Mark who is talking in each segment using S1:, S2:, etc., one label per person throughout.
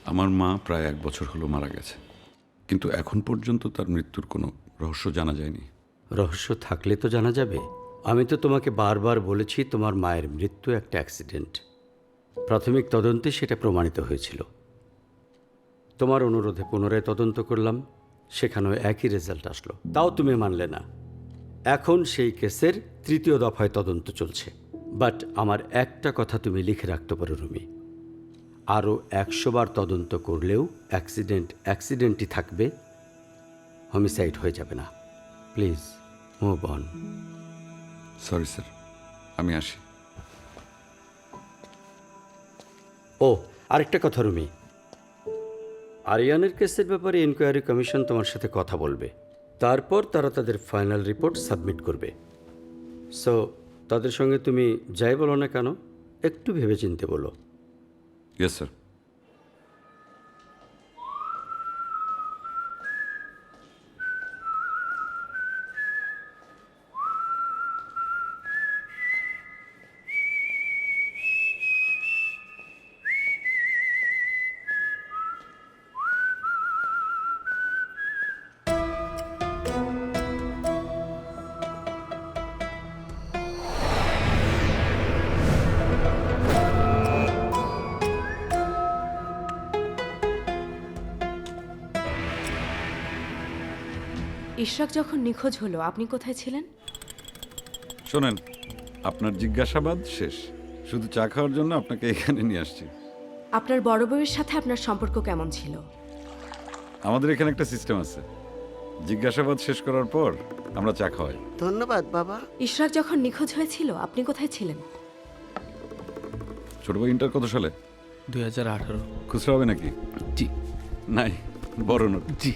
S1: আমার মা প্রায় 1 বছর হলো মারা গেছে, কিন্তু এখন পর্যন্ত তার মৃত্যুর কোনো রহস্য জানা যায়নি।
S2: রহস্য থাকলে তো জানা যাবে। আমি তো তোমাকে বারবার বলেছি তোমার মায়ের মৃত্যু একটা অ্যাক্সিডেন্ট। প্রাথমিক তদন্তে সেটা প্রমাণিত হয়েছিল। তোমার অনুরোধে পুনরায় তদন্ত করলাম, সেখানেও একই রেজাল্ট আসলো, তাও তুমি মানলে না। এখন সেই কেসের 3য় দফায় তদন্ত চলছে। বাট আমার একটা কথা তুমি লিখে রাখতে পারো রুমি, আরও 100 বার তদন্ত করলেও অ্যাক্সিডেন্টই থাকবে, হোমিসাইড হয়ে যাবে না। Please move on.
S1: Sorry sir, আমি আসি।
S2: ও আরেকটা কথা রুমি, আরিয়ানের কেসের ব্যাপারে ইনকোয়ারি কমিশন তোমার সাথে কথা বলবে, তারপর তারা তাদের ফাইনাল রিপোর্ট সাবমিট করবে। সো তাদের সঙ্গে তুমি যাই বলো না কেন, একটু ভেবেচিন্তে বলো।
S1: Yes sir.
S3: ইশরাক যখন নিখোঁজ হলো আপনি কোথায় ছিলেন?
S1: শোনেন, আপনার জিজ্ঞাসাবাদ শেষ, শুধু চা খাওয়ার জন্য আপনাকে এখানে নিয়ে আসছি।
S3: আপনার বড় বউয়ের সাথে আপনার সম্পর্ক কেমন ছিল?
S1: আমাদের এখানে একটা সিস্টেম আছে, জিজ্ঞাসাবাদ শেষ করার পর আমরা চা খাওয়াই।
S4: ধন্যবাদ বাবা।
S3: ইশরাক যখন নিখোঁজ হয়েছিল আপনি কোথায় ছিলেন?
S1: ছোট ভাই ইন্টার কত সালে?
S5: 2018।
S1: খুচরা হবে নাকি?
S5: জি
S1: নাই, বড় নোট।
S5: জি।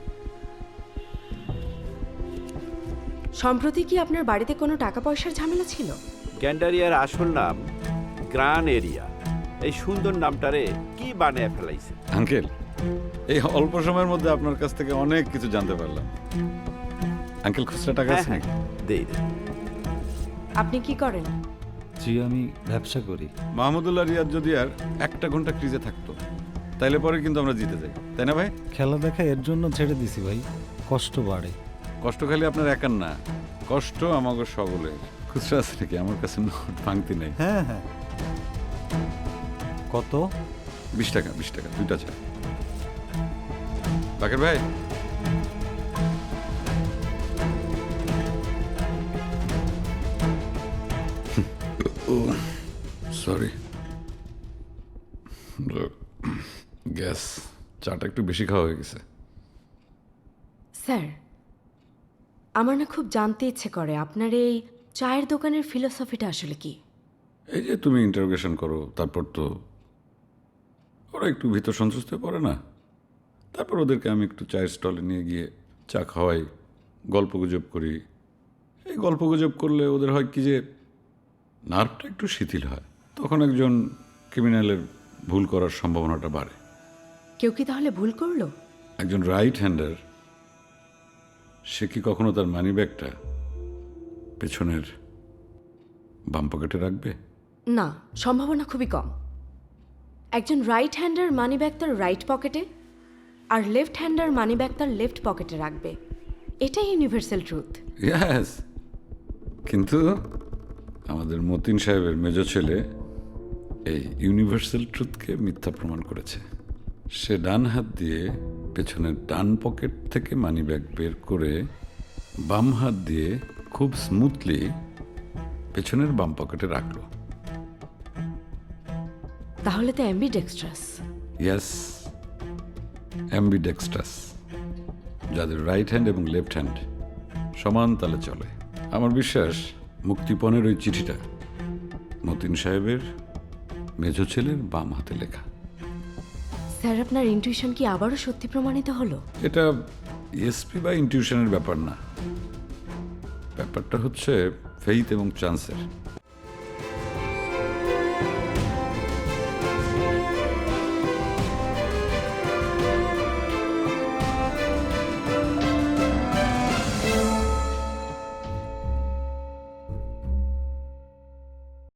S3: সম্প্রতি কি আপনার বাড়িতে কোনো টাকা পয়সার ঝামেলা ছিল?
S6: গ্যান্ডারিয়ার আসল নাম গ্রান এরিয়া। এই সুন্দর নামটারে কি বানিয়ে ফেলাইছে?
S1: আঙ্কেল, এই অল্প সময়ের মধ্যে আপনার কাছ থেকে অনেক কিছু জানতে পারলাম। আঙ্কেল, খুচরা টাকা আছে নাকি?
S6: দেই দে।
S3: আপনি কি করেন?
S5: জি, আমি ব্যবসা করি।
S1: মাহমুদুল্লাহ রিয়াদ যদি আর 1 ঘন্টা ক্রিজে থাকতো, তাইলে পরে কিন্তু আমরা জিতে যাই, তাই না ভাই?
S5: খেলা দেখা এর জন্য ছেড়ে দিছি ভাই, কষ্ট বাড়ে।
S1: কষ্ট খালি আপনার একার না, কষ্ট আমাকে সকলের। খুচরা আছে নাকি? আমার কাছে নোট ভাঙতি নেই।
S5: হ্যাঁ হ্যাঁ। কত?
S1: 20 টাকা, 20 টাকা, 2টা চা। বাকের ভাই, সরি, গ্যাস, চাটা একটু বেশি খাওয়া হয়ে গেছে।
S3: স্যার, আমার না খুব জানতে ইচ্ছে করে আপনার এই চায়ের দোকানের ফিলোসফিটা আসলে কি?
S1: এই যে তুমি ইন্টারোগেশন করো, তারপর তো ওরা একটু ভিতর সন্তুষ্ট হয়ে পড়ে না, তারপর ওদেরকে আমি একটু চায়ের স্টলে নিয়ে গিয়ে চা খাওয়াই, গল্পগুজব করি। এই গল্পগুজব করলে ওদের হয় কি যে নার্ভটা একটু শিথিল হয়, তখন একজন ক্রিমিনালের ভুল করার সম্ভাবনাটা বাড়ে।
S3: কেউ কি তাহলে ভুল করলো?
S1: একজন রাইট হ্যান্ডার, সে কি কখনো তার মানি ব্যাগটা পেছনের বাম পকেটে রাখবে?
S3: না, সম্ভাবনা খুবই কম। একজন রাইট হ্যান্ডার মানি ব্যাগ তার রাইট পকেটে আর লেফট হ্যান্ডার মানি ব্যাগ তার লেফট পকেটে রাখবে, এটাই ইউনিভার্সাল ট্রুথ।
S1: ইয়েস, কিন্তু আমাদের মতিন সাহেবের মেজ ছেলে এই ইউনিভার্সাল ট্রুথকে মিথ্যা প্রমাণ করেছে। সে ডান হাত দিয়ে পেছনের ডান পকেট থেকে মানিব্যাগ বের করে বাম হাত দিয়ে খুব স্মুথলি পেছনের বাম পকেটে রাখলো।
S3: তাহলে তো অ্যাম্বিডেক্সট্রাস।
S1: ইয়েস, অ্যাম্বিডেক্সট্রাস, যাদের রাইট হ্যান্ড এবং লেফট হ্যান্ড সমান তালে চলে। আমার বিশ্বাস মুক্তিপণের ওই চিঠিটা মতিন সাহেবের মেজ ছেলের বাম হাতে লেখা।
S3: স্যার, আপনার ইনটিউশন কি আবারও সত্যি প্রমাণিত হলো?
S1: এটা এসপি বা ইনটিউশনের ব্যাপার না, ব্যাপারটা হচ্ছে ফেইথ এবং চান্সের।